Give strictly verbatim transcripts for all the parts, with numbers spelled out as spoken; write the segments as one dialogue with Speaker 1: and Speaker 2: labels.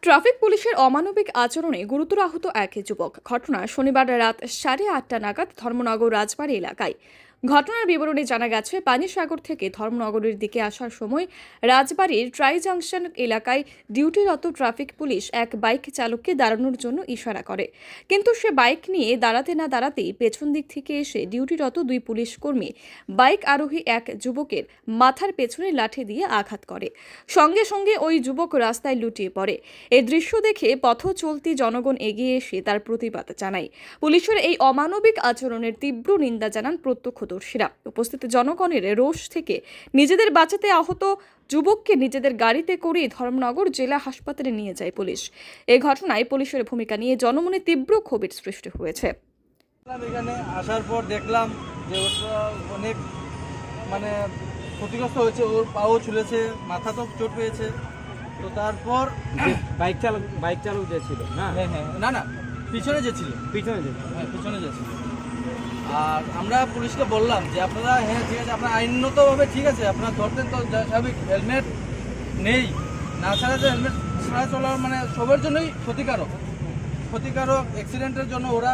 Speaker 1: Traffic পুলিশের অমানবিক আচরণে গুরুতর আহত এক যুবক। ঘটনা শনিবার রাত সাড়ে আটটা নাগাদ ধর্মনগর রাজবাড়ী এলাকায়। ঘটনার বিবরণে জানা গেছে, পানিসাগর থেকে ধর্মনগরের দিকে আসার সময় রাজবাড়ীর ট্রাই জাংশন এলাকায় ডিউটিরত ট্রাফিক পুলিশ এক বাইক চালককে দাঁড়ানোর জন্য ইশারা করে, কিন্তু সে বাইক নিয়ে দাঁড়াতে না দাঁড়াতেই পেছন দিক থেকে এসে ডিউটিরত দুই পুলিশ কর্মী বাইক আরোহী এক যুবকের মাথার পেছনে লাঠি দিয়ে আঘাত করে। সঙ্গে সঙ্গে ওই যুবক রাস্তায় লুটিয়ে পড়ে। এই দৃশ্য দেখে পথ চলতি জনগণ এগিয়ে এসে তার প্রতিবাদ জানায়। পুলিশের এই অমানবিক আচরণের তীব্র নিন্দা জানান প্রত্যক্ষদর্শীরা। উপস্থিত জনগণের রোষ থেকে নিজেদের বাঁচাতে আহত যুবককে নিজেদের গাড়িতে করে ধর্মনগর জেলা হাসপাতালে নিয়ে যায় পুলিশ। এই ঘটনায় পুলিশের ভূমিকা নিয়ে জনমনে তীব্র ক্ষোভের সৃষ্টি হয়েছে।
Speaker 2: এখানে আসার পর দেখলাম যে ওটা অনেক মানে ক্ষতিগ্রস্ত হয়েছে, ওর পাও ছুলেছে, মাথা তো চোট পেয়েছে। তো তারপর
Speaker 3: বাইক চালক বাইক চালক যে ছিল না
Speaker 2: হ্যাঁ হ্যাঁ না না পিছনে যে ছিল
Speaker 3: পিছনে যে
Speaker 2: হ্যাঁ পিছনে যে ছিল। আর আমরা পুলিশকে বললাম যে আপনারা হ্যাঁ ঠিক আছে, আপনার আইনতভাবে ঠিক আছে, আপনারা ধরতেন তো স্বাভাবিক, হেলমেট নেই না ছাড়া যে হেলমেট ছাড়া চলার মানে সবার জন্যই ক্ষতিকারক ক্ষতিকারক অ্যাক্সিডেন্টের জন্য ওরা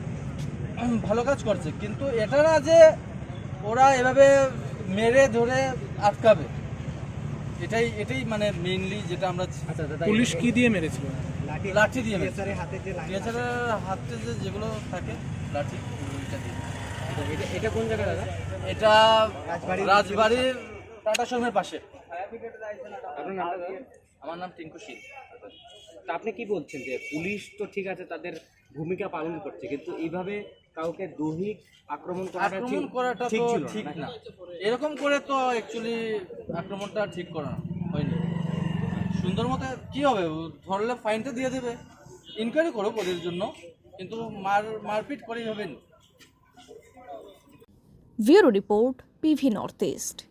Speaker 2: ভালো কাজ করছে, কিন্তু এটা না যে ওরা এভাবে মেরে ধরে আটকাবে। এটাই এটাই মানে মেইনলি যেটা আমরা
Speaker 4: পুলিশ কি দিয়ে মেরেছিল?
Speaker 2: লাঠি দিয়ে মেরেছে। এছাড়া হাতে যে যেগুলো থাকে লাঠি ওইটা দিয়ে।
Speaker 3: এটা এটা কোন জায়গা দাদা?
Speaker 2: এটা রাজবাড়ির টাটা শোরুমের পাশে।
Speaker 3: আপনার নামটা দাদা?
Speaker 2: আমার নাম টিঙ্কু শীল।
Speaker 3: তা আপনি কি বলছেন যে পুলিশ তো ঠিক আছে তাদের ভূমিকা পালন করছে, কিন্তু এইভাবে কাউকে দৈহিক আক্রমণ করাটা
Speaker 2: আক্রমণ
Speaker 3: ঠিক
Speaker 2: করাটা
Speaker 3: ঠিক
Speaker 2: তো
Speaker 3: ছিল
Speaker 2: ঠিক
Speaker 3: না।
Speaker 2: না। এরকম করে তো অ্যাকচুয়ালি আক্রমণটা ঠিক করা হয়নি। সুন্দর মতো কি হবে, ধরলে ফাইনটা দিয়ে দেবে, ইনকোয়ারি করো ওদের জন্য, কিন্তু মার মারপিট করেই হবে না।
Speaker 1: Bureau report, PV North east.